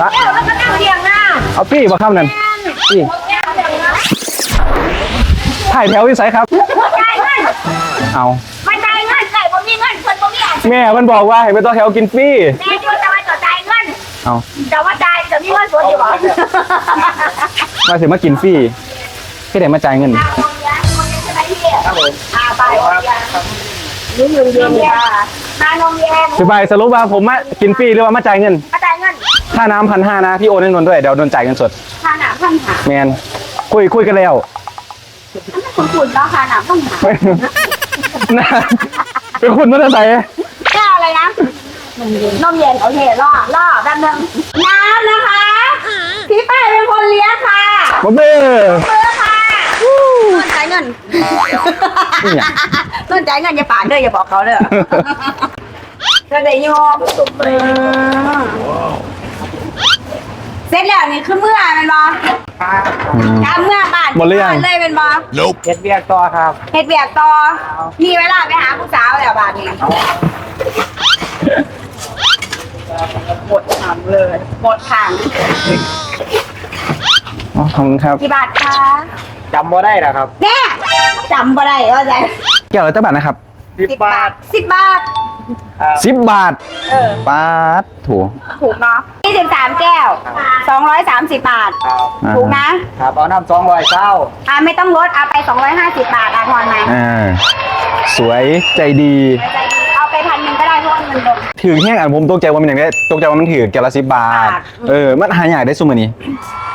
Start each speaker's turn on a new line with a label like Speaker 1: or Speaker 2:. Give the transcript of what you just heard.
Speaker 1: แก้วแล้วก็นั่งเรียงหน้า
Speaker 2: เอาปี้บ่ครับนั่นปี้ถ่ายแถวที่ไสครับ
Speaker 1: จ่ายเงิน
Speaker 2: เอา
Speaker 1: มาจ่ายเงินใส่บ่มีเงินคนบ่มีอ่ะ
Speaker 2: แม่มันบอกว่าให้ไปต่อแถวกินฟรี
Speaker 1: แม่จะมาจ่ายเงิน
Speaker 2: เอา
Speaker 1: แต่ว่าจ่ายจะมีเงินส่วนอยู่บ่
Speaker 2: มาสิมากินฟรีพี่ไหนมาจ่ายเงิน
Speaker 1: ครับผมไปนี่เงินเย็นค่ะมานมเย็น
Speaker 2: พี่ใบสรุปว่าผมมากินฟรีหรือว่ามาจ่ายเงิน
Speaker 1: มาจ่ายเงิน
Speaker 2: ค่าน้ำ1,500นะพี่โอนให้นนท์ด้วยเดี๋ยวโดนจ่ายเงินสด
Speaker 1: ค่าหนาพันหา
Speaker 2: แมนคุยกันแล้ว
Speaker 1: คุณคุณแล้วค่าหนาพันหา
Speaker 2: นะเป็นคุณมาตั้งแต่
Speaker 1: แก้วอะไรนะนมเย็นโอเคล่อแป๊บนึงน้ำนะคะพี่ป้ายเป็นคนเลี้ยงค่ะ
Speaker 2: บ๊อบเบ้
Speaker 1: เบอร์ค่ะต้นจ่ายเงินต้นจ่ายเงินอย่าปากเด้ออย่าบอกเขาเด้อก็ได้ยอมเสร็จแล้วนี่คือเมื่อเป็นบอการเมื่อบ้านเลยเป็นบอ
Speaker 3: เฮ็ดเบียกต่อครับ
Speaker 1: เฮ็ดเบียกต่อมีเวลาไปหาผู้สาวแล้วบ้านนี้หมดถังเลยหมดถัง
Speaker 2: อ๋อขอบคุณครับ
Speaker 1: กี่บาทคะ
Speaker 3: จำบ่ได้หรอครับ
Speaker 1: แน่จำบ่ได้ว่าจะ
Speaker 2: แก้วละเท่าบาทนะครับ
Speaker 3: 10 บาท
Speaker 1: 10 บาท
Speaker 2: 10 บาท
Speaker 1: เออ
Speaker 2: ปาดถูก
Speaker 1: ถูกเนาะ23แก้ว230 บาท ถูกนะครับ
Speaker 3: เอาน้ำ200เศร้า
Speaker 1: ไม่ต้องลดเอาไป250 บาททอนไหม
Speaker 2: สวยใจดี
Speaker 1: ใจดีเอาไป1,000ก็ได้เพราะว่าเงินลง
Speaker 2: ถือแห้งอ่ะผมตกใจว่ามันอย่างนี้ตกใจว่ามันถือแก้วละ10 บาท
Speaker 1: บาท
Speaker 2: มันหายากได้ซุมื้อนี้